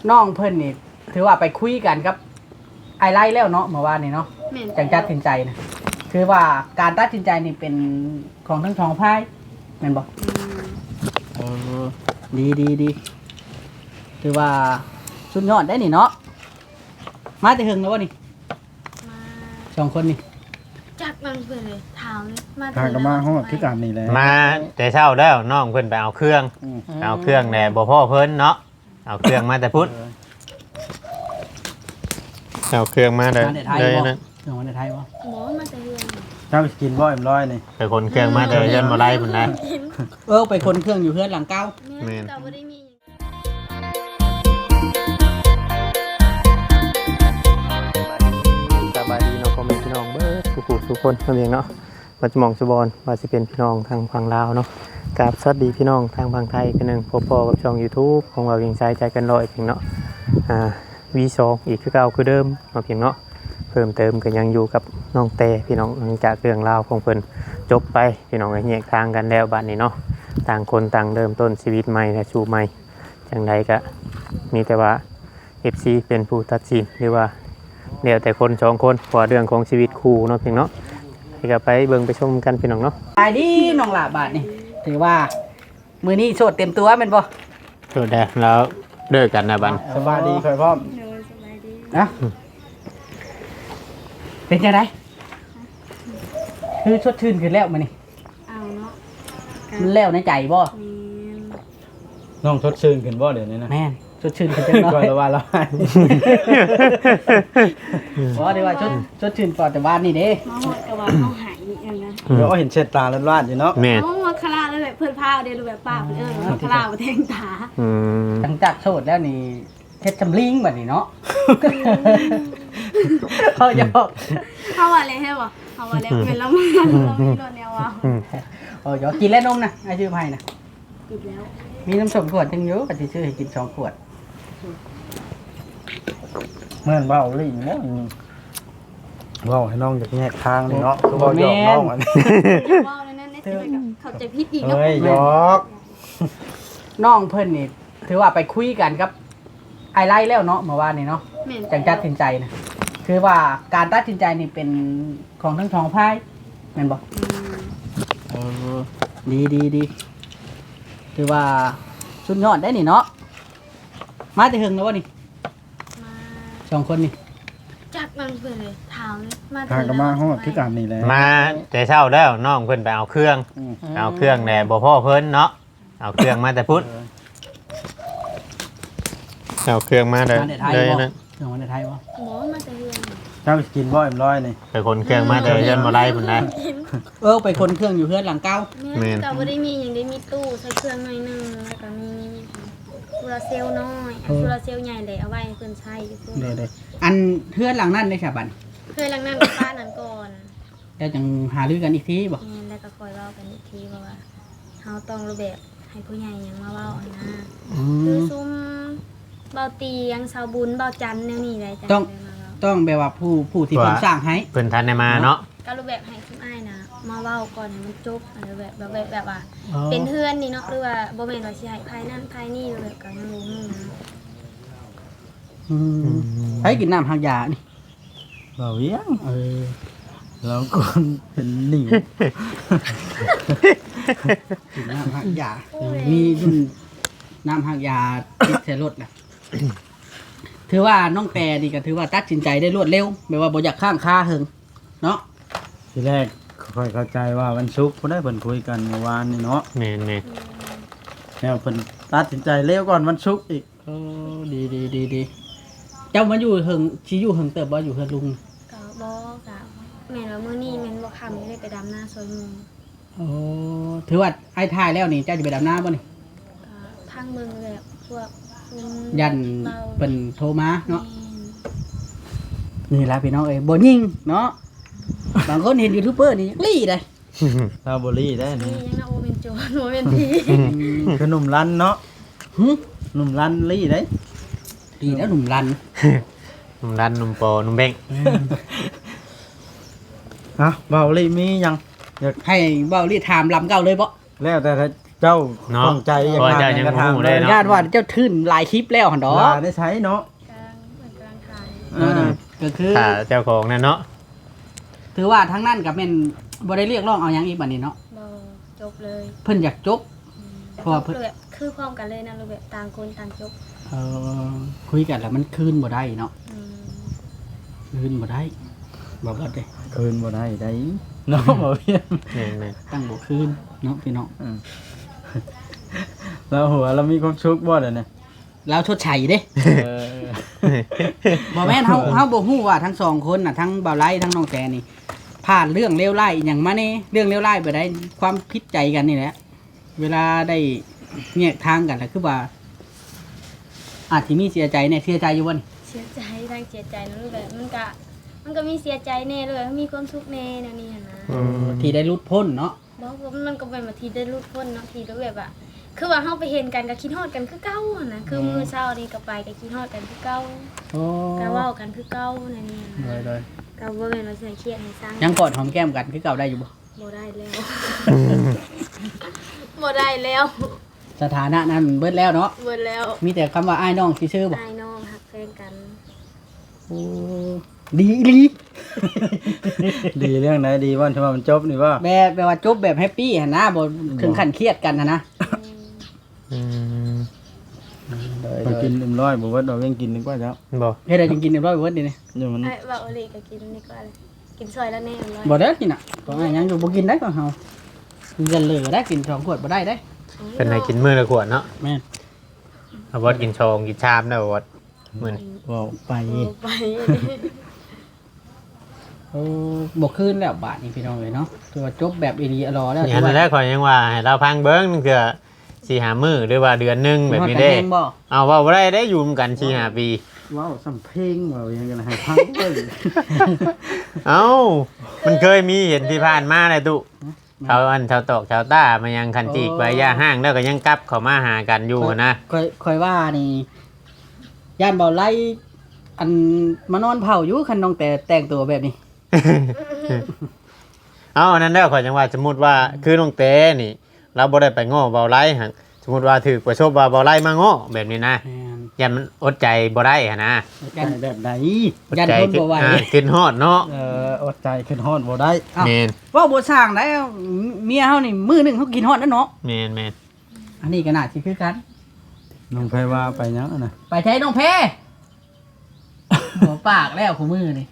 น้องเพิ่นนี่ถือว่าไปคุยกันกับไอไล่แล้วเนาะเมื่อวานนี่เนาะจังตัดสินใจนะคือว่าการตัดสินใจนี่เป็นของทั้งสองฝ่ายแม่นบ่ดีถือว่าสุดยอดได้นี่เนาะมาแต่หึงแล้วบ่นี่มาสองคนนี่จักมันเพิ่นเลยถามเลยมาทางก็มาฮอดคือกันนี่แหละมาแต่เช้าแล้วน้องเพิ่นไปเอาเครื่องแหน่บ่พ่อเพิ่นเนาะเอาเครื่องมาแต่พุทธเอาเครื่องมาเลยนะเครื่องมาในไทยบ่หมอมาแต่เฮือนเจ้ากินบ่เอ็มร้อยนี่ไปคนเครื่องมาเลยยันบ่ได้พุ่นนะไปคนเครื่องอยู่เพื่อนหลังเก้าแม่ก็บ่ได้มีสบายดีเนาะพ่อแม่พี่น้องเบิดทุกคนเพียงเนาะว่าจะมองสุบอนว่าสิเป็นพี่น้องทางฝั่งลาวเนาะกับสวัสดีพี่น้องทางฝั่งไทยกันนึงพบกับช่อง YouTube ของเราเพียงใจกันร้อยเพียงเนาะV2 อีกคือเก่าคือเดิมมาเพียงเนาะเพิ่มเติมก็ยังอยู่กับน้องแต่พี่น้องหลังจากเรื่องราวของเพิ่นจบไปพี่น้องก็แยกทางกันแล้วบัดนี้เนาะต่างคนต่างเริ่มต้นชีวิตใหม่และชูใหม่จังใดก็มีแต่ว่า FC เป็นผู้ตัดสินหรือว่าเดี๋ยวแต่คนสองคนเพราะเรื่องของชีวิตคู่เนาะเพียงเนาะให้ก็ไปเบิ่งไปชมกันพี่น้องเนาะไปดีน้องหลาบาทนี่ถือว่ามือนี้โสดเต็มตัวแม่นบ่สุดแล้วเลิกกันนะบันสบายดีค่อยพร้อมเดินสบายดีนะเป็นจังไดคือชดชื่นขึ้นแล้วมื้อนี้เอาเนาะมันแล้วในใจบ่แม่นน้องทดชื่นขึ้นบ่เดี๋ยวนี้นะแม่นชดชื่นขึ้นจังน้อก่อนยละว่าละบ่ได้ว่าชดชื่นก่อนแต่บ้านนี่เด้มาฮอดก็ว่าเฮาหายอีกอย่างนะเดี๋ยวเห็นเช็ดตาล้านๆอยู่เนาะแม่เฮามาคลาแล้วแบบเพิ่นพาเด้รูแบบป้าเพิ่นคลาบ่แทงตาหลังจากโสดแล้วนี่เฮ็ดจำลิงบัดนี้เนาะเฮาอย่าบอกเฮาว่าอะไรให้บ่เฮาว่าแล้วเป็นแล้วมันเรามีรถแนวว่าเดี๋ยวกินแล้วนมนะไอ้ชื่อไผนะปิดแล้วมีน้ำส้มขวดจังอยู่ก็สิซื้อให้กิน2ขวดเหมือนเว้าลิ่งแล้วเว้าให้น้องจากแยกทางนี่เนาะคือเว้าหยอกน้องอันนี้อย่าว่าเลยนั่นสิไปกับเข้าใจผิดอีกเนาะเฮ้ยหยอกน้องเพิ่นนี่ถือว่าไปคุยกันกับไอไล่แล้วเนาะเมื่อวานนี่เนาะแม่นจังตัดสินใจนะคือว่าการตัดสินใจนี่เป็นของทั้งสองฝ่ายแม่นบ่ดีคือว่าสุดยอดได้นี่เนาะมาแต่หึงแล้วบ่นี่มาสองคนนี่จักมันเพิ่นเลยถามเลยมาทางก็มาฮอดคือกันนี่แหละมาแต่เช้าแล้วน้องเพิ่นไปเอาเครื่องแหน่บ่พ่อเพิ่นเนาะเอาเครื่องมาแต่พุทธเอาเครื่องมาเลยมาแต่ไทยเลยบ่นะเครื่องมาแต่ไทยบ่หมอมาแต่เฮือนเจ้ากินบ่เอ็มร้อยนี่ไปคนเครื่องมาเลยยันบ่ได้พุ่นนะไปคนเครื่องอยู่เพื่อนหลังเก้าแม่ก็บ่ได้มีหยังได้มีตู้ใส่เครื่องหน่อยนึงแล้วก็มีโซลาร์เซลล์น้อยโซลาร์เซลล์ใหญ่เลยเอาไว้ให้เพิ่นใช้อยู่พุ่นเด้อันเพื่อนหลังนั้นได้ฉบันเคยหลังนั้นกับป้านั้นก่อนแล้วจังหารือกันอีกทีบ่แม่นแล้วก็คอยเว้ากันอีกทีเพราะว่าเฮาต้องรูปแบบให้ผู้ใหญ่หยังมาเว้าอันนะคือซุมเบาเตียงชาวบุญเบาจันทร์แนวนี้ได้จ้ะได้มาเว้าต้องแบบว่าผู้ที่เพิ่นสร้างให้เพิ่นทันได้มาเนาะก็รูปแบบให้ซุมอ้ายนะมาเว้าก่อนให้มันจบอะไรแบบว่า เป็นเพื่อนนี่เนาะหรือว่าบ่แม่นว่าสิให้ภายนั้นภายนี้แบบก็ยังบ่ฮู้นะให้กินน้ำหักยานี่เว้าเวียงแล้วคนเป็นหนิวกินน้ำหักยามีรุ่นน้ำหักยาติดใส่รถแหละถือว่าน้องแปรนี่ก็ถือว่าตัดสินใจได้รวดเร็วแบบว่าบ่อยากข้างคาเฮิงเนาะทีแรกค่อยเข้าใจว่าวันศุกร์เพิ่นได้เพิ่นคุยกันเมื่อวานนี่เนาะแม่นแล้วเพิ่นตัดสินใจเร็วก่อนวันศุกร์อีกดีเจ้ามาอยู่เฮิงสิอยู่เฮิงเติบบ่อยู่เฮือนลุงก็บ่ก็แม่นว่ามื้อนี้แม่นบ่ค่ำได้ไปดำนาซอยหมู่โอ้ถือว่าไอ้ทายแล้วนี่เจ้าจะไปดำน้ำบ่นี่ก็ทางเมืองแบบพวกซุมยันเบาเป็นโทรมาเนาะแม่นนี่ล่ะพี่น้องเอ้ยบ่ยิงเนาะบางคนเห็นยูทูบเบอร์นี่ลี่ได้ลาโบรี่ได้นี่นี่ยังนะโอเป็นโจรโอเป็นผีคือหนุ่มรันเนาะหึหนุ่มรันลี่ได้ดีแล้วหนุ่มรันหนุ่มรันหนุ่มโปหนุ่มเบ้งฮะเบาลี่มียังให้เบ้าลี่ถามลำเก่าเลยบ่แล้วแต่ถ้าจเจ้าเนาะต้องใจอย่างเพราะนั้นเจ้ายังกระทำบ่รู้ได้เนาะญาติว่าเจ้าทื่นหลายคลิปแล้วหั่นดอกลาได้ใช้เนาะกลางเหมือนกลางทางก็คือถ้าเจ้าของนั่นเนาะถือว่าทั้งนั้นก็แม่นบ่ได้เรียกร้องเอาหยังอีกบัดนี้เนาะบ่จบเลยเพิ่นอยากจบ เพราะว่าจบเลยคือพร้อมกันเลยนะรูปแบบต่างคนต่างจบเออคุยกันแล้วมันคืนบ่ได้เนาะอืมคืนบ่ได้บ่บ่ได้คืนบ่ได้ได้เนาะบ่เพียนแม่นตั้งบ่คืนเนาะพี่น้องแล้วหัวเรามีความสุขบ่เด้อเนี่ยแล้วชดใช้เด้เออบ่แม่นเฮาบ่ฮู้ว่าทั้งสองคนน่ะทั้งบ่าวไร่ทั้งน้องแกนี่ผ่านเรื่องเลวร้ายอหยังมาแน่เรื่องเลวร้ายบ่ได้ความผิดใจกันนี่แหละเวลาได้แยกทางกันแล้วคือว่าอาจสิมีเสียใจแน่เสียใจอยู่บ่นี่เสียใจทั้งเสียใจนะรูปแบบมันก็มีเสียใจแน่เลยมีความสุขแน่แนวนี้หั้นนะอืมที่ได้หลุดพ้นเนาะบอกว่ามันก็เป็นมาทีได้รูดพ้นเนาะทีรูปแบบอะคือว่าเฮาไปเห็นกันก็คิดฮอดกันคือเก่าหั้นนะคือมื้อเช้านี่ก็ไปก็คิดฮอดกันคือเก่าโอ้ก็เว้ากันคือเก่านั่นนี่หั้นเลนะยเลยก็บ่แม่นว่าสิให้เครียดให้สร้างยังกอดหอมแก้มกันคือเก่าได้อยู่บ่บ่ได้แล้ว บ่ได้แล้วสถานะนั้นเบิดแล้วเนาะเบิดแล้วมีแต่คำว่าอ้ายน้องซื่อๆบ่นายน้องหักแฟนกันโอ้ดีอีหลีดีเรื่องไหนดีว่าที่ว่ามันจบนี่ว่าแบบว่าจบแบบแฮปปี้หั่นนะบ่ถึงขั้นเครียดกันหั่นนะอืมอืมไปกินเต็มร้อยบ่ว่าเรายังกินดีกว่าเจ้าบ่เฮ็ดได้จังกินเรียบร้อยเบิดนี่นี่อยู่มันไอ้ว่าโอลีก็กินนี่ก็อะไรกินซอยแล้วแน่ร้อยบ่ได้กินอ่ะก็อ้ายยังอยู่บ่กินได้ก็เฮากินกันเหลือได้กิน2ขวดบ่ได้ได้เป็นให้กินมื้อละขวดเนาะแม่นเอาบ่กินชองกินชามได้บ่มื้อนี้ว้าวไปไปโอ้บ่คืนแล้วบาดนี้พี่น้องเอ้ยเนาะถือว่าจบแบบอีหลีอรอแล้วอย่างนั้นแหละข่อยยังว่าให้เราพังเบิ่งนึงคือ4-5มื้อหรือว่าเดือนหนึงแบบนี้เด้ฮอกันแฮงบ่เอาเว้าบ่ได้ได้อยู่กัน4-5ปีว้าวสำเพลงว้าวยังกันให้พังเว้ยเอ้ามันเคยมีเห็นที่ผ่านมาเลยตุชาวอันชาวตอกชาวต้ามายังคันจีกใบหญ้าห้างแล้วก็ยังกลับเข้ามาหากันอยู่นะค่อยว่านี่ย่านบ่ไล่อันมานอนเผาอยู่คันน้องแต่แต่งตัวแบบนี้เอาอันนั้นแล้วข่อยจังว่าสมมุติว่าคือน้องเต้นี่เราบ่ได้ไปง้อเบาไล่หั่นสมมุติว่าถูกประสบว่าเบาไล่มาง้อแบบนี้นะแม่นยันมันอดใจบ่ได้หั่นนะยันแบบไหนอดยันใจทนบ่ไหวขึ้นฮอดเนาะอดใจขึ้นฮอดบ่ได้อ้าวแม่นว่าบ่สร้างได้เมียเฮานี่มื้อหนึงเฮากินฮอดแล้วเนาะแม่นแม่นอันนี้ก็น่าสิคือกันน้องไผว่าไปยังอะนะไปใช้น้องเพหัวปากแล้วของมือนี่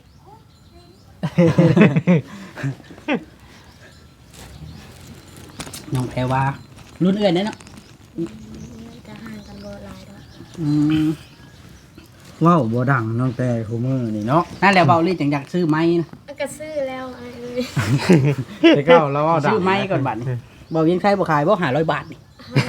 น้องแพรว่ารุ่นเอื้อนเนี่ยเนาะจะห่างกันบ่หลายดอกอืมว้าวบ่ดังน้องแต่คู่มือนี่เนาะนั่นแหละเบาลี่จังอยากซื้อไม้นะก็ซื้อแล้วไอ้เอ้ยแต่เก้าเราว้าวดังซื้อไม้ก่อนบัดนี่เบายังใช้บ่ขายบ่500 บาทนี่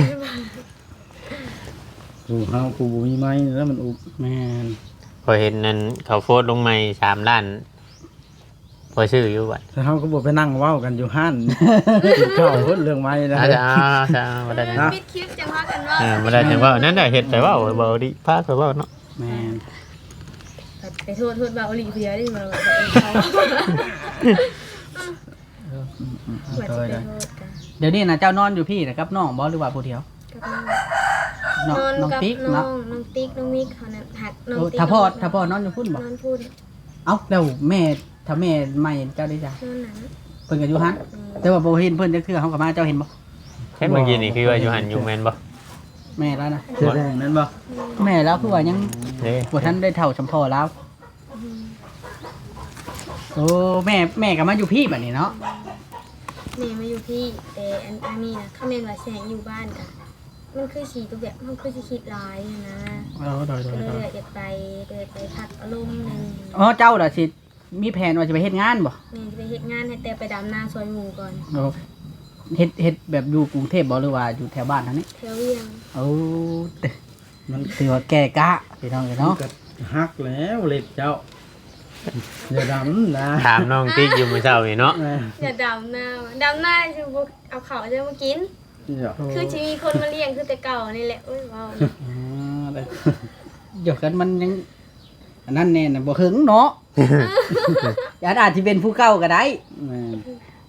กูเฮากูบ่มีไม้แล้วมันอุบแม่นพอเห็นนั้นเขาโพสต์ลงใหม่3ล้านพอชื่ออยู่บัดแต่เฮาก็บ่ไปนั่งเว้ากันอยู่ห้านเจ้าเพิ่นเรื่องไม้นะอาจจะบ่ได้นะปิดคลิปจังว่ากันว่าบ่ได้จังว่านั่นน่ะเฮ็ดไปว่าบ่ดีพาไปว่าเนาะแม่นไปโทษว่าโอลีเพียได้มาว่าเขาว่าจะไปโทษกันเดี๋ยวนี้นะเจ้านอนอยู่พี่นะครับน้องบ่หรือว่าผู้เดียวนอนน้องกับติ๊กน้อเนาะงน้องติ๊กน้องมิกเขานั้นหักน้องโอ้ติ๊กถ้าพ่อนอนอยู่พุ่นบ่นอนพูดเอ้าแล้วแม่ถ้าแม่ไม่เจ้าได้จ้ะนอนหนังเพิ่นก็อยู่หันแต่ว่าบ่เห็นเพิ่นจักเทื่อเฮาก็มาเจ้าเห็นบ่เห็นเมื่อกี้นี่คือว่าอยู่หันอยู่แม่นบ่แม่แล้วนะเสื้อแดงนั่นบ่แม่แล้วคือว่ายังเด้บ่ทันได้เท่าสำพ่อแล้วโอ้แม่ก็มาอยู่พี่บัดนี้เนาะแม่มาอยู่พี่แต่อันนี้นะเขาเมนว่าแสงอยู่บ้านกันมันคือสีตัวแบบมันคือสิคิดร้ายนะโดยก็เลยอยากไปพักอารมณ์นึงอ๋อเจ้าล่ะสิมีแผนว่าจะไปเฮ็ดงานบ่แม่จะไปเฮ็ดงานให้แต่ไปดำนาซอยหมู่ก่อนโอ้เฮ็ดแบบอยู่กรุงเทพบ่หรือว่าอยู่แถวบ้านทางนี้เที่ยวเวียงโอ้มันถือว่าแก่กะพี่น้องเนาะก็ฮักแล้วเล็บเจ้าอย่าดำนะถามน้องติ๊กอยู่เมื่อเช้านี่เนาะอย่าดำนาคือเอาเขาจะมากิน คือจะมีคนมาเลี้ยงคือแต่เก่านี่แหละโอ้ยว้าวอ๋อได้เดี๋ยวกันมันยังอันนั้นแน่น่ะบ่หึงเนาะ อาจสิเป็นผู้เก่าก็ได้แม่น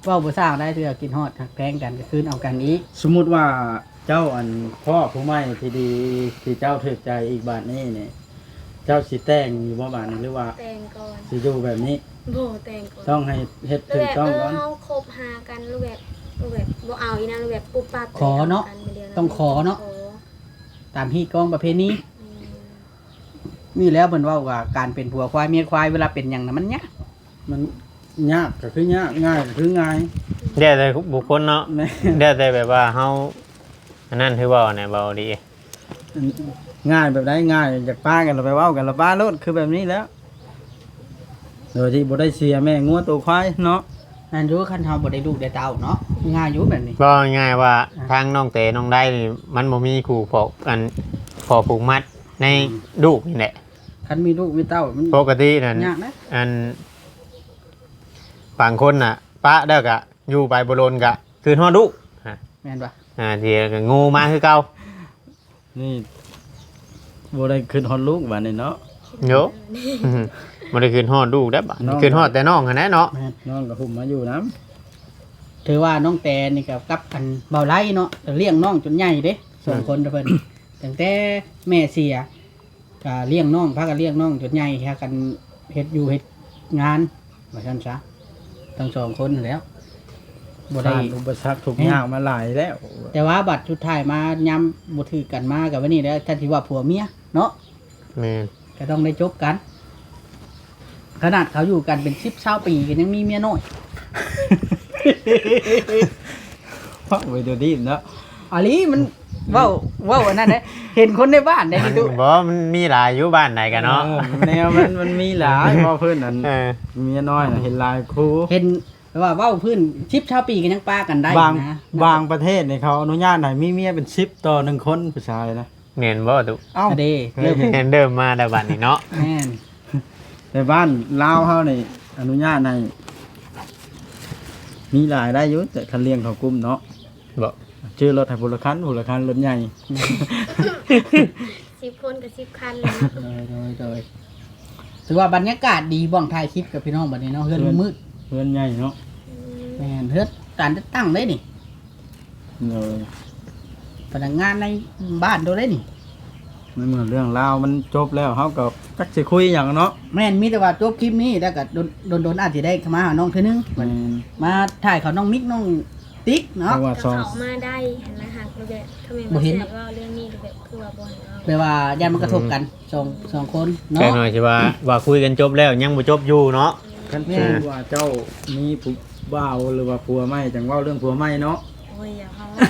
เว้าบ่สร้างได้เทื่อกินฮอดหักแพงกันก็คืนเอากันอีกสมมุติว่าเจ้าอันพ่อผู้ใหม่ที่ดีที่เจ้าถูกใจอีกบาทนี้เนี่ยเจ้าสิแต่งอยู่บ่บาทนี้หรือว่าแต่งก่อนสิอยู่แบบนี้บ่แต่งก่อนต้องให้เฮ็ดรูถูปกแบบต้องก่อนเฮาคบหากันรูปแบบบ่เอาอีนะรูปแบบปุ๊บปั๊บขอเนาะไปเดียวต้องขอเนาะขอตามฮีตกองประเพณีอืมมีแล้วเพิ่นเว้าว่าการเป็นผัวควายเมียควายเวลาเป็นหยังน่ะมันยากมันยากก็คือยากง่ายก็คือง่ายเดี๋ยวแต่บุคคลเนาะแม่เดี๋ยวแต่แบบว่าเฮาอันนั้นคือเว้าเนี่ยเว้าดีง่ายแบบใดง่ายจากป้ากันเราไปเว้ากันเราป้าโลดคือแบบนี้แล้วโดยที่บ่ได้เสียแม่งัวตัวควายเนาะนั่นอยู่คันเฮาบ่ได้ลูกได้เต้าเนาะง่ายอยู่แบบนี้ก็ง่ายว่าทางน้องเตน้องได้นี่มันบ่มีคู่พอกอันพอผูกมัดในลูกนี่แหละคันมีลูกมีเต้ามันปกตินั่นยากนะอันบางคนน่ะปะเด้อกะอยู่ไปบ่โลนกะคืนฮอดลูกแม่นปะที่ก็งูมาคือเก่านี่บ่ได้ขึ้นฮอดลูกบาดนี้เนาะโยบ่ได้คืนฮอดลูกได้บ่น้องคืนฮอดแต่น้องหั่นแหละเนาะแม่นน้องก็หุ่มมาอยู่น้ถือว่าน้องแตนนี่กับอันเบาไล่เนาะเลี้ยงน้องจนใหญ่เด้สองคนเด้อเพิ่น ตั้งแต่แม่เสียก็เลี้ยงน้องพากันเลี้ยงน้องจนใหญ่แค่กันเฮ็ดอยู่เฮ็ดงานว่าซั่นซะทั้งสองคนนั่นแหล้วบ่ำได้ผ่านอุปสรรคทุกยากมาหลายแล้วแต่ว่าบัดสุดท้ายมายามบ่ถือกันมากับวันนี้แล้วท่านสิว่าผัวเมียเนาะแม่นก็ต้องได้จบกัน ขนาดเขาอยู่กันเป็น10-20ปีก็ยังมีเมียน้อยฟังไปเดี๋ยวนี้เนาะอันนี้มันเว้าอันนั้นเด้เห็นคนในบ้านได้มันดูบ่มันมีหลายอยู่บ้านไหนกันเนาะแนวมันมีหลายพอเพิ่นอันเออเมียน้อยน่ะเห็นหลายครูเห็นว่าเว้าพื้น10-20ปีก็ยังป้ากันได้บางนะบางประเทศเนี่ยเขาอนุญาตให้มีเมียเป็น10ต่อ1คนผู้ชายนะแม่นบ่ตุเอ้าเด้เริ่มแม่นเดิมมาแต่บัดนี้เนาะแม่นแต่บ้านลาวเฮานี่อนุญาตให้มีหลายได้อยู่แต่คันเลี้ยงเขากลุ่มเนาะบ่ชื่อรถให้พลคันรถใหญ่ 10 คนกับ10 คันเลยเนาะโดยถือว่าบรรยากาศดีบ้องถ่ายคลิปกับพี่น้องบัดนี้เนาะเฮือนมืดเพื่อนใหญ่เนาะแม่นเฮือนการตั้งได้นี่เลยพนักงานในบ้านโดได้นี่ไม่เหมือนเรื่องราวมันจบแล้วเฮาก็จักสิคุยหยังเนาะแม่นมีแต่ว่าจบคลิปนี้แล้วก็โดนอาจจะได้เข้ามาหาน้องเทื่อนึงมันมาถ่ายเขาน้องมิกน้องติ๊กเพเนาะราะว่าก็ซองเขามาได้หันมาหักรูปแบบทำไมบ่บ่เห็เห็นนว่าเรื่องนี้รูปแบบคือว่าบ่ให้เอาแปลว่ายันมันกระทบกันสองคนแค่เนาะหน่อยสิว่าคุยกันจบแล้วยังบ่จบอยู่เนาะคันชื่อว่าเจ้ามีผู้บ่าวหรือว่าผัวใหม่จังเว้าเรื่องผัวใหม่เนาะโอ้ยอย่าเฮาเนาะ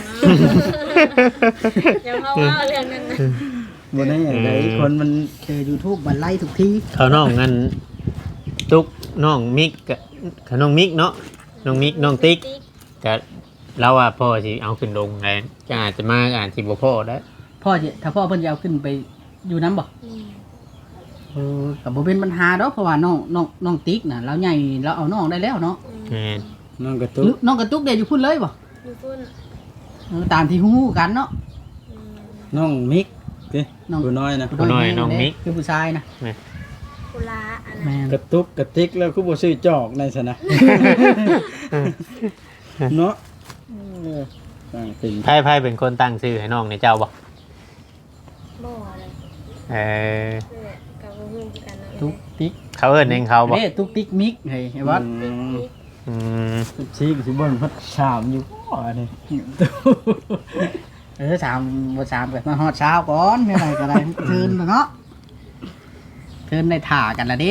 อย่าเฮาว่าเรื่องนั้นนะบ่ได้ไดคนมันเจอ YouTube มันไล่ทุกทีเขาน้องงั้นตุกน้องมิกกับเขาน้องมิกเนาะน้องมิกน้องติ๊กก็เราว่าพ่อสิเอาขึ้นลงไงก็อาจจะมาอาจสิบ่พ่อได้ถ้าพ่อเพิ่นจะเอาขึ้นไปอยู่น้ำบ่อืมกับบ่เป็นปัญหาดอกเพราะว่าน้องติ๊กน่ะเราใหญ่เราเอาน้องได้แล้วเนาะแม่นน้องกระตุหรืกอน้องกระตุกเดี๋ยวอยู่พุ่นเลยบ่อยู่พุ่นตามที่ฮู้ๆกันเนาะอืมน้องมิกติน้องผู้น้อยนะผู้น้อยน้องมิกคือผู้ชายนะกุลาอันแม่นั้นนกระตุกกระติกแล้วคือบ่ซื้อจอกในซะนะเนาะต่างสิ่งไผเป็นคนตั้งชื่อให้น้องในเจ้าบ่บ่เลยเออคือแบบกับบ่ฮู้คือกันเนาะตุ๊กติ๊กเขาเอิ้นเองเขาบ่เด้ตุ๊กติ๊กมิกเฮ้ยไอ้วัดอืมชี้สิบ่นพัดชามอยู่บ่อันนี้สามบ่สามก็มาฮอดเช้าก่อนไม่ไรก็ได้เทินเนาะเทินได้ถ่ากันละดิ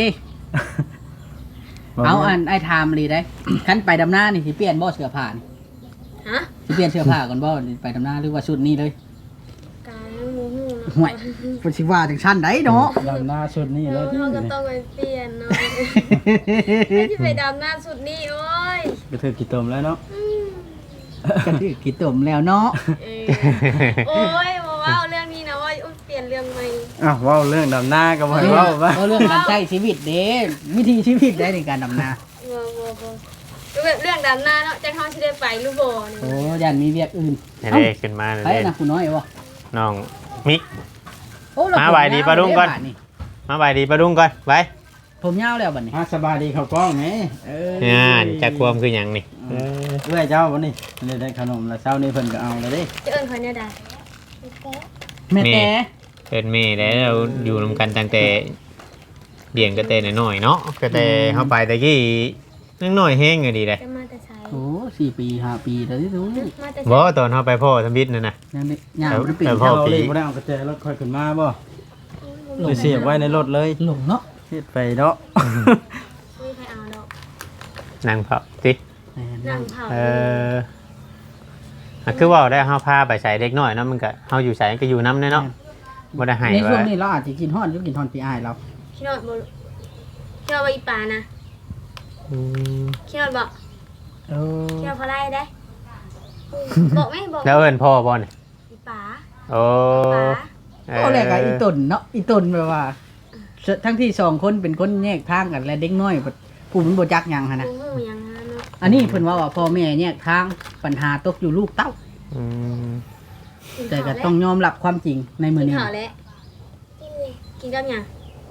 เอาอันไอ้ไทม์เลยได้ คันไปดำหน้านี่สิเปลี่ยนบ่เสื้อผ้านี่ฮะสิเปลี่ยนเสื้อผ้าก่อนบ่ไปดำหน้าหรือว่าชุดนี้เลยกายยังบ่ฮู้เนาะห่วยเพิ่นสิว่าจังซั่นได้เนาะลำหน้าชุดนี้เลยเราก็ต้องไปเปลี่ยนเนาะที่ไปดำน้ำสุดนี่โอ้ยก็ถือกี่ตมแล้วเนาะก็คือกินต้มแล้วเนาะเออโอ้ยมาว่าเรื่องนี้นะว่าอุ๊ยเปลี่ยนเรื่องใหม่อ้าวเว้าเรื่องดำหน้าก็บ่ให้เว้าว่าเรื่องการใช้ชีวิตเด้วิธีชีวิตได้ในการดำนาบ่แบบเรื่องดำน้ำเนาะจะเข้าที่ได้ไปหรือบ่เนี่ยโอ้ยันมีเวียกอื่นให้ได้ขึ้นมาไปเลยนะคุณน้อยวะน้องมิกโอ้เรมาไหวดีปะลุงก่อน มาบายดีปะดุงก่อนไปผมยาวแล้วบัดนี้สบายดีเขากล้องไหมงานจักความคือหยังนี่เออเอื้อยเจ้าวันนี้เลยได้ขนมแล้วเช้านี้เพิ่นก็เอาเลยเด้จะเอิ้นเขาเนี่ยได้แม่แต่เป็นแม่แล้วเราอยู่นำกันตั้งแต่เลี้ยงก็แต่น้อยๆเนาะก็แต่เฮาไปตะกี้ยังน้อยแฮงอยู่ดีเลยจะมาแต่ไสโอ้4 ปี5 ปีแล้วที่รู้มาแต่ไสบ่ตอนเฮาไปพ่อทำบิดนั่นน่ะยังได้ย่างบ่ได้เป็นแต่พ่อเราเลยบ่ได้เอากระแจรถค่อยขึ้นมาบ่ไปเสียบไว้ในรถเลยหลงเนาะเฮ็ดไปเนาะไม่ใครเอาดอกนั่งเผาตินั่งเผาเอออ่ะคือว่าได้เฮาพาไปใส่เด็กน้อยเนาะมันก็เฮาอยู่ใส่ก็อยู่นำเนาะบ่ได้ให้ในช่วงว่านี้เราอาจจะกินฮอดหรือกินฮอดพี่อ้ายเราขี้นอดบ่ขี้นอดบ่อีป่านะอืมขี้นอดบ่เออขี้นอดพอได้ได้บอกไหมบอกแล้วเอิ้นพ่อบ่นี่อีป่าโอ้ป่าเอาแรกอะอีตนเนาะอีตนแบบว่า ทั้งที่2คนเป็นคนแยกทางกันและเด็กน้อยผู้มันบ่จักหยังหั่นน่ะบ่ฮู้หยังนะเนาะอันนี้เพิ่นว่าพ่อแม่แยกทางปัญหาตกอยู่ลูกเต้าอืมแต่ก็ต้องยอมรับความจริงในมื้อกินนี้ข้าวแล้วกินกับหยัง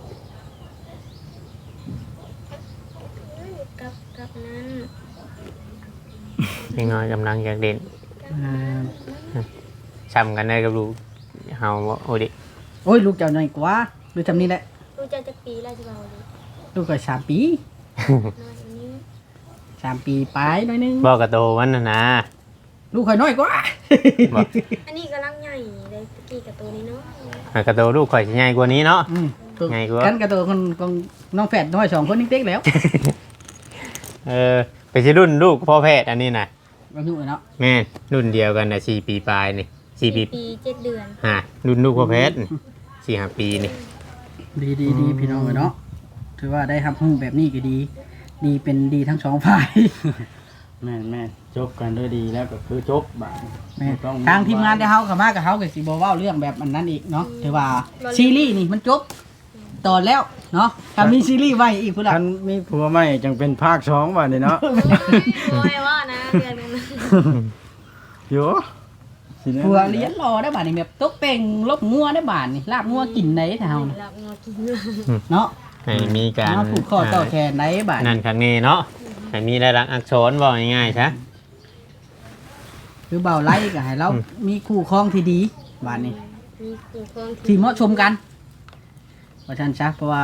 กับนั้นเด็กน้อยกำลังอยากเด่นอ่าช้ำกันได้กับลูกเฮาบ่โอ้ดิโอ้ยลูกเจ้าน้อยกว่าหรือจำนี้แหละรู้จักจักปีแล้วสิเว้าเลยลูกก็3 ปีน้อยกว่านี้ 3 ปีปลายหน่อยนึงบ่กระโตมันน่ะนะลูกข่อยน้อยกว่าบ่อันนี้กำลังใหญ่เลยตะกี้กับตัวนี้เนาะอ่ะกระโตลูกข่อยสิใหญ่กว่านี้เนาะอืมไงกูวะกันกับตัวคนของน้องแฝดน้อย2คนนี่เต็กแล้วเออไปสิรุ่นลูกพ่อแพทย์อันนี้น่ะอายุเนาะแม่นรุ่นเดียวกันน่ะ4 ปีปลายนี่4 ปีปี7 เดือนฮะรุ่นลูกพ่อแพทย์4 5 ปีนี่ดีพี่น้องเนาะถือว่าได้รับรู้แบบนี้ก็ดี ดีเป็นดีทั้งสองฝ่ายแม่นจบกันด้วยดีแล้วก็คือจบบาดแม่นต้องทางทีมงานได้เฮากับมากับเฮาก็สิบ่เว้าเรื่องแบบอันนั้นอีกเนาะถือว่าซีรีส์นี่มันจบตอนแล้วเนาะถ้ามีซีรีส์ไว้อีกพุ่นล่ะคันมีผัวใหม่จังเป็นภาค2บัดนี้เนาะโอ้ยว่านะเดือนนึงโยสิแน่ผัวเลี้ยนรอได้บาดนี่แบบตกแต่งลบงัวได้บาดนี่ลาบงัวกินได้แถวน่ะหลับงอกินเนาะให้มีการเนาะผูกคอต่อแขนได้บาดนั่นครั้งนี้เนาะให้มีรายลักษณ์อักษรบอกง่ายๆซะคือเบาไล่ก็ให้เรามีคู่ครองที่ดีบาดนี้มีคู่ครองที่เหมาะชมกันว่าซั่นซะเพราะว่า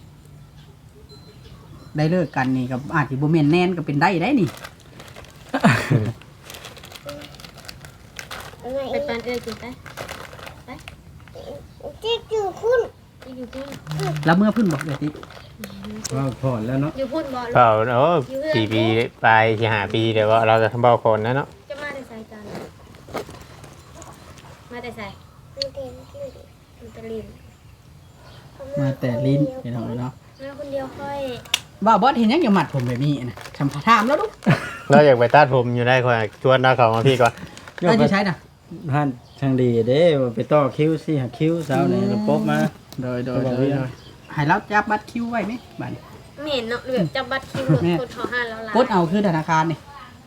ได้เลิกกันนี่ก็อาจสิบ่แม่นแน่นก็เป็นได้นี่ไปปานเอ้ยกินไปไปที่อยู่คุณอยู่พุ่นแล้วเมื่อเพิ่นบอกเลยติว่าพอแล้วเนาะอยู่พุ่นบ่เปล่าโอ้4 ปีปลาย4 5 ปีเดี๋ยวว่าเราจะทำเบาคนนะเนาะจะมาแต่ไสกันมาแต่ไสมันเต็มที่มันตะลินมาแต่ลิ้นพี่น้องเนาะมาคนเดียวค่อยบ่าวบอสเห็นยังอย่ามัดผมแบบนี้นะทำถามแล้วลูกเราอยากไปตัดผมอยู่ได้ค่อยชวนเราเข้ามาพี่ก่อนเราจะใช้นะท่านทางดีเด้ว่าไปต่อคิวสิหาคิวเช้านี่แล้วปบมาโดยให้เราจับบัตรคิวไว้ไหมบัตรไม่เห็นเนาะแบบจับบัตรคิวกดขอห้าแล้วล่ะกดเอาคือธนาคารนี่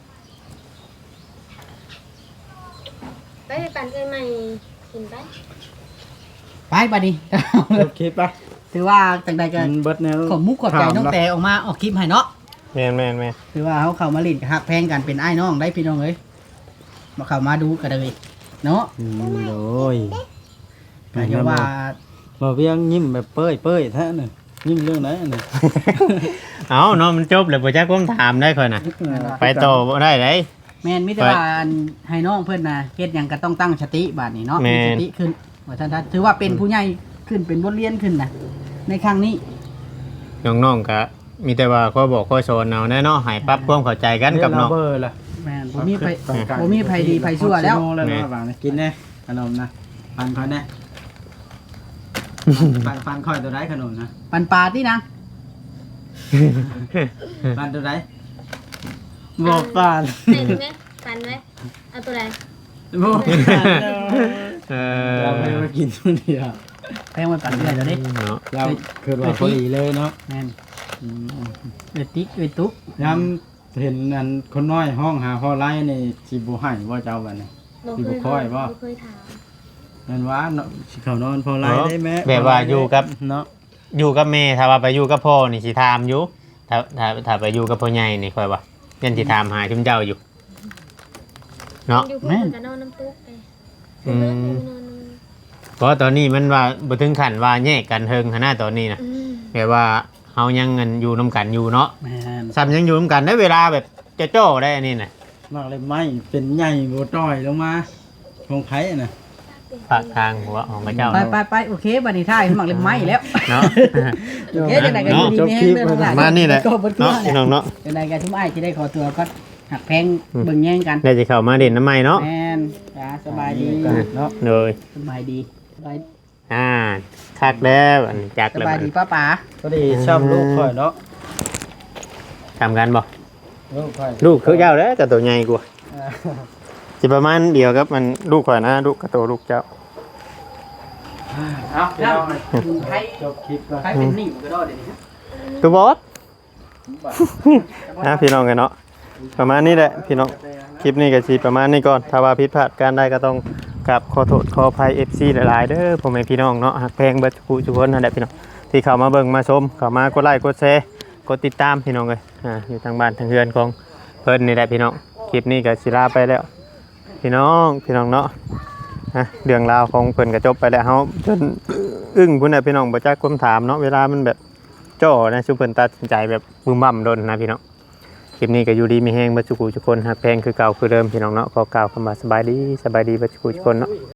ไปปานเอ้ยใหม่กินไปไปบัดนี้จบคลิปปะถือว่าจังใดก็มันเบิดแนวขอบมุกขอบใจน้องแต่ออกมาออกคลิปให้เนาะแม่นถือว่าเขาเข้ามาลิ้นกับฮักแพงกันเป็นไอ้น้องได้พี่น้องเอ้ยมาเข้ามาดูกันเลยเนาะโอ้ยก็อย่าว่าบ่เวียงยิ้มแบบเป้ยแท้น่ะยิ้มเรื่องไหนน่ะๆเอาเนาะมันจบแล้วบ่จักผมถามได้ค่อยน่ะไปต่อบ่ได้ไดแม่นมิตรว่าให้น้องเพื่อนนะเฮ็ดหยังก็ต้องตั้งสติบาดนี้เนาะแม่มีนสติขึ้นว่าท่านถือว่าเป็นผู้ใหญ่ขึ้นเป็นบทเรียนขึ้นนะในครั้งนี้น้องๆก็มีแต่ว่าข้อบอกข้อสอนเอาแน่เนาะให้ปรับความเข้าใจกันกับน้องเบอร์ล่ะแม่นบ่มีไผบ่มีไผดีไผชั่วแล้วแล้วแม่เนาะบางนะกินแน่ขนมนะปันค่อยแน่ปันค่อยตัวใดขนมนะปันปลาที่นะปันตัวใดบอกปานใส่ไหมปันไหมเอาตัวใดบอกปานเอเราไม่อมากินตัวเดียวแพงมันปันเรื่อยแล้วเด้เนาะเราคือว่าพอดีเลยเนาะแม่นเอ้ยติ๊กเอ้ยตุ๊กย้ำเห็นอันคนน้อยห้องหาพ่อไล่นี่สิบ่ให้ว่าเจ้าบัดนี้บ่เคยถามนั่นว่าเนาะสิเขานอนพ่อไล่ได้ไหมแบบว่าอยู่กับเนาะอยู่กับแม่ถ้าว่าไปอยู่กับพ่อนี่สิถามอยู่ถ้าไปอยู่กับพ่อใหญ่นี่ค่อยว่ายันสิถามหาชุมเจ้าอยู่เนาะอยู่เพิ่นก็นอนน้ำตุ๊กไปอืมนอนน้ำเพราะตอนนี้มันว่าบ่ถึงขั้นว่าแยกกันเฮิงขนาดตอนนี้นะอืมแบบว่าเฮายังเงินอยู่นํกันอยู่เนาะแม่นซ้ำยังอยู่นํกันได้เวลาแบบจะโจ้ได้อันนี้น่ะมากเลยไม้เป็นใหญ่บ่ต้อยลงมาของไผน่ะปากทางหัวของพระเจ้าไปโอเคบัดนี้ท่ายหมักเล่มไม้แล้วเนาะโอเคจังได๋ก็อยู่ดีมีแฮงเด้อทั้งหลายมานี่แหละก็บ่ตัวเนาะแหพี่ละน้องเนาะจังได๋ก็ชุมอ้ายสิได้ขอตัวก็หักแพงเบิ่งแย่งกันได้สิเข้ามาเด่นน้ำใหม่เนาะแม่นจ้าสบายดีเนาะเลยสบายดีสบายคักแล้วอันจักสแล้วบายดีป้าป๋าก็ดีช้ำลูกข่อยเนาะทำกันบ่ลูกข่อยลูกคือเจ้าแล้วแต่ตัวใหญ่กว่าสิประมาณเดียวกับมันลูกข่อยนะลูกกับตัวลูกเจ้าเอาพี่น้องใครจบคลิปก่อนใครเป็นหนี้ก็ได้เดี๋ยวนี้ตัวบอส พี่น้องกันเนาะประมาณนี้แหละพี่น้องคลิปนี้ก็สิประมาณนี้ก่อนถ้าว่าผิดพลาดการใดก็ต้องกราบขอโทษขออภัย FC หลายๆเด้อพ่อแม่พี่น้องเนาะหักแพงเบิดทุกคนนั่นแหละพี่น้องที่เข้ามาเบิ่งมาชมเข้ามากดไลค์กดแชร์กดติดตามพี่น้องเลยอยู่ทางบ้านทางเรือนของเพิ่นนี่แหละพี่น้องคลิปนี้ก็สิลาไปแล้ว พี่น้องเนาะเรื่องราวของเพิ่นก็จบไปแล้วเฮาจนอึ้งพุ่นน่ะพี่น้องบ่จักความถามเนาะเวลามันแบบจ้อนะซุเพิ่นตัดสินใจแบบบึ้มบั่มโดนนะพี่น้องคลิปนี้ก็อยู่ดีมีแฮงเบ่ทุกคนหักแพงคือเก่าคือเดิมพี่น้องเนาะขอกล่าวคำว่าสบายดีเบ่ทุกคนเนาะ